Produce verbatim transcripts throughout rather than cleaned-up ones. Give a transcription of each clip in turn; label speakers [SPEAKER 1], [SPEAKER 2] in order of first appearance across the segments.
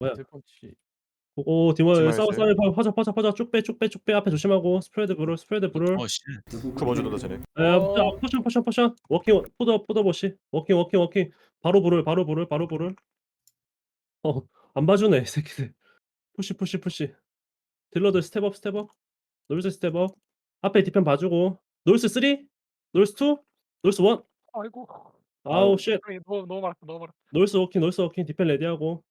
[SPEAKER 1] 뭐야?
[SPEAKER 2] 배틀펀치.
[SPEAKER 1] 오 오 디모에 싸워
[SPEAKER 3] 디마이스.
[SPEAKER 1] 싸워 퍼져 퍼져 퍼져 쭉 빼 쭉 빼 쭉 빼 앞에 조심하고 스프레드 브롤 스프레드 브롤.
[SPEAKER 4] 어 쉣.
[SPEAKER 3] 그 먼저 넣는다 쟤네.
[SPEAKER 1] 예
[SPEAKER 2] 어.
[SPEAKER 1] 포션 포션 포션 워킹 포더 포더 버시 워킹 워킹 워킹 바로 브롤 바로 브롤 바로 브롤. 어 안 봐주네 이 새끼들. 푸시 푸시 푸시. 딜러들 스텝업 스텝업. 노르스 스텝업. 앞에 디펜 봐주고. 노르스 쓰리 노르스 투 노르스 원.
[SPEAKER 2] 아이고.
[SPEAKER 1] 아우 쉣.
[SPEAKER 2] 형님 너무 너무 많았다. 너무 많았다.
[SPEAKER 1] 노르스 워킹 노르스 워킹 디펜 레디하고.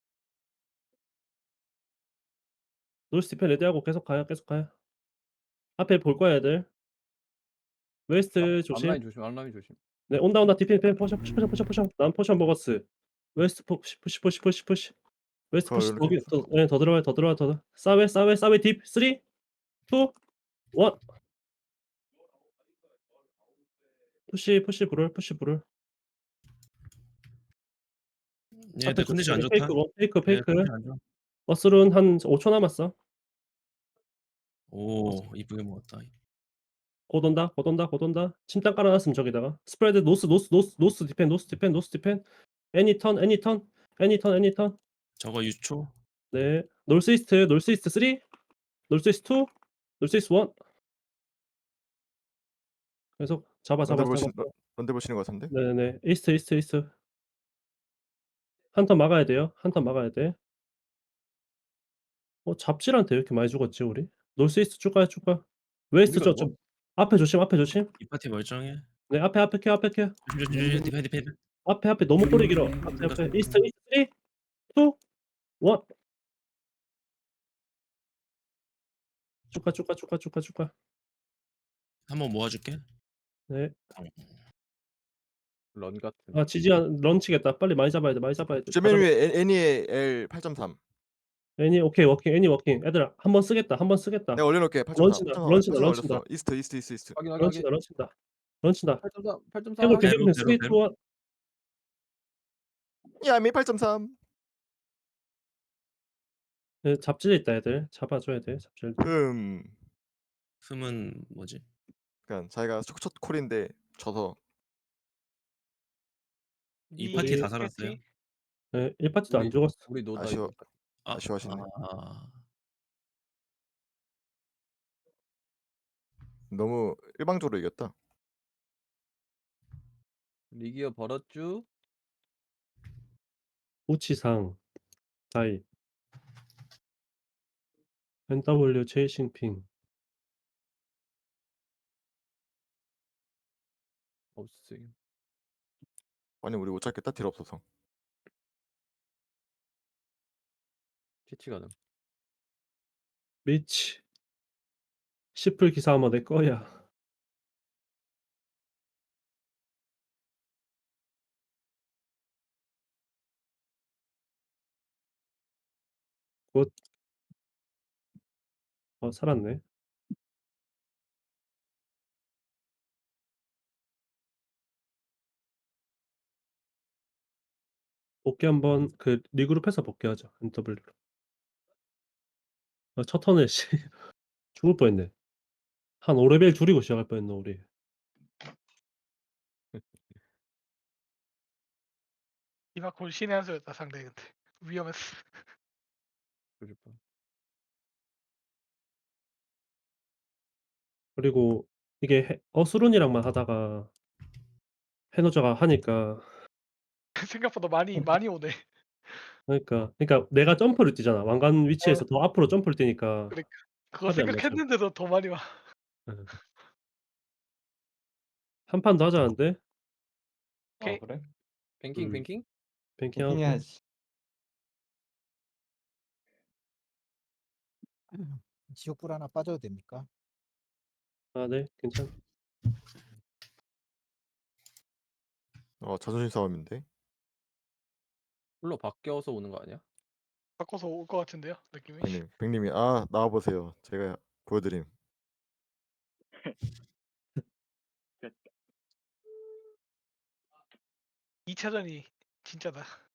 [SPEAKER 1] 노르스 디펜 레디하고 계속 가요 계속 가요. 앞에 볼 거야 애들.
[SPEAKER 2] 아
[SPEAKER 1] 웨스트 조심.
[SPEAKER 2] 앞라인 조심. 앞라인 조심.
[SPEAKER 1] 네 온다 온다 디펜 디펜 포션 푸시 포션 포션 포션. 난 포션 먹었어. 웨스트 푸시 푸시 푸시 푸시 푸시. 웨스트
[SPEAKER 3] 그거
[SPEAKER 1] 푸시
[SPEAKER 3] 이렇게
[SPEAKER 1] 거기 더 예 더 들어와요 더 들어와 더 사웨 사웨 사웨 딥 쓰리 투 원. 푸시 푸시 브롤 푸시 브롤. 앞에
[SPEAKER 4] 얘들 컨디션 안
[SPEAKER 1] 조심해.
[SPEAKER 4] 좋다.
[SPEAKER 1] 페이크 원 페이크
[SPEAKER 4] 얘
[SPEAKER 1] 페이크.
[SPEAKER 4] 컨디션 안 좋아.
[SPEAKER 1] 머슬은 한 오 초 남았어.
[SPEAKER 4] 오 이쁘게 먹었다.
[SPEAKER 1] 곧 온다 곧 온다 곧 온다. 침땅 깔아 놨음 저기다가. 스프레드 노스 노스 노스 노스 디펜 노스 디펜 노스 디펜. 애니 턴 애니 턴 애니 턴 애니 턴.
[SPEAKER 4] 저거 유초.
[SPEAKER 1] 네. 놀스 이스트 놀스 이스트 쓰리 놀스 이스트 투 놀스 이스트 원. 계속 잡아 잡아
[SPEAKER 3] 런데
[SPEAKER 1] 잡아.
[SPEAKER 3] 보신 런 런데 보시는 것 같은데?
[SPEAKER 1] 네네. 이스트 이스트 이스트. 한 턴 막아야 돼요. 한 턴 막아야 돼. 어 잡질한테 왜 이렇게 많이 죽었지 우리? 놀스 이스트 쭉 가요 쭉 가. 웨스트
[SPEAKER 2] 우리가
[SPEAKER 1] 저쪽
[SPEAKER 2] 너무
[SPEAKER 1] 앞에 조심 앞에 조심.
[SPEAKER 4] 이 파티 멀쩡해.
[SPEAKER 1] 네 앞에 앞에 케어 앞에 케어.
[SPEAKER 4] 조심 조심 조심. 디펜 디펜.
[SPEAKER 1] 앞에 앞에 너무 꼬리 길어. 앞에
[SPEAKER 4] 쏜다
[SPEAKER 1] 앞에
[SPEAKER 4] 쏜다.
[SPEAKER 1] 이스트 이스트 쓰리 투 원. 쭉 가 쭉 가 쭉 가 쭉 가 쭉 가.
[SPEAKER 4] 한번 모아줄게.
[SPEAKER 1] 네.
[SPEAKER 2] 런 같은.
[SPEAKER 1] 아 지지 않 런치겠다. 빨리 많이 잡아야 돼 많이 잡아야 돼.
[SPEAKER 3] 저
[SPEAKER 1] 다
[SPEAKER 3] 맨
[SPEAKER 1] 잡아.
[SPEAKER 3] 위에 애 애니의 엘 팔 점 삼.
[SPEAKER 1] 애니 오케이 워킹 애니 워킹. 애들아 한 번 쓰겠다 한 번 쓰겠다.
[SPEAKER 3] 내가 올려놓을게 팔 점 삼.
[SPEAKER 1] 런친다
[SPEAKER 3] 팔 점 삼
[SPEAKER 1] 런친다
[SPEAKER 3] 팔 점 삼
[SPEAKER 1] 런친다.
[SPEAKER 3] 올렸어. 이스트 이스트 이스트 이스트.
[SPEAKER 2] 확인 확인 확인.
[SPEAKER 1] 런친다 런친다. 런친다.
[SPEAKER 2] 팔 점 삼 팔 점
[SPEAKER 1] 해볼
[SPEAKER 2] 삼.
[SPEAKER 1] 게
[SPEAKER 4] 대로
[SPEAKER 1] 해볼
[SPEAKER 4] 대로
[SPEAKER 1] 쓰리 투
[SPEAKER 4] 대로.
[SPEAKER 1] 원.
[SPEAKER 3] 야미 팔 점 삼.
[SPEAKER 1] 네 잡질 있다 애들. 잡아줘야 돼 잡질.
[SPEAKER 3] 흠.
[SPEAKER 4] 흠은 뭐지?
[SPEAKER 3] 그러니까 자기가 첫 첫 콜인데 져서
[SPEAKER 4] 이 파티 다
[SPEAKER 1] 우리
[SPEAKER 4] 살았어요.
[SPEAKER 1] 네 일 파티도 안
[SPEAKER 2] 우리
[SPEAKER 1] 죽었어.
[SPEAKER 2] 우리 노다
[SPEAKER 3] 아쉬워
[SPEAKER 2] 이번 파티.
[SPEAKER 4] 아
[SPEAKER 3] 아쉬워하시네.
[SPEAKER 4] 아.
[SPEAKER 3] 너무 일방적으로 이겼다.
[SPEAKER 2] 리기어 벌었쥬?
[SPEAKER 1] 우치상 다이. 엔더블유 체이싱핑.
[SPEAKER 2] 없음.
[SPEAKER 3] 아니 우리 못 찾겠다 딜 없어서.
[SPEAKER 2] 캐치 가능.
[SPEAKER 1] 미치. 시플 기사 아마 내 거야. 굿. 어 살았네. 복귀 한번 그 리그룹해서 복귀하자 엔더블유로. 아 첫 턴에 씨 죽을 뻔했네. 한 오 레벨 줄이고 시작할 뻔했네 우리.
[SPEAKER 5] 이마콜 신의 한 수였다 상대 근데 위험했어.
[SPEAKER 2] 조질 뻔.
[SPEAKER 1] 그리고 이게 해 어스룬이랑만 하다가 해노저가 하니까
[SPEAKER 5] 생각보다 많이 많이 오네.
[SPEAKER 1] 그러니까 그러니까 내가 점프를 뛰잖아. 왕관 위치에서 더 앞으로 점프를 뛰니까
[SPEAKER 5] 그러니까 그거
[SPEAKER 1] 합이 안 맞아.
[SPEAKER 5] 생각했는데도 더 많이 와.
[SPEAKER 1] 예. 한 판 더 하자는데?
[SPEAKER 2] 아
[SPEAKER 5] 오케이.
[SPEAKER 2] 그래? 뱅킹
[SPEAKER 1] 음.
[SPEAKER 2] 뱅킹?
[SPEAKER 1] 뱅킹하고.
[SPEAKER 6] 해야지. 지옥불 하나 빠져도 됩니까?
[SPEAKER 1] 아 네. 괜찮
[SPEAKER 3] 어 자존심 싸움인데.
[SPEAKER 2] 홀로 바뀌어서 오는 거 아니야?
[SPEAKER 5] 바꿔서 올 것 같은데요 느낌이.
[SPEAKER 3] 백님 백님이 아 나와 보세요. 제가 보여드림.
[SPEAKER 5] 이 차전이 진짜다.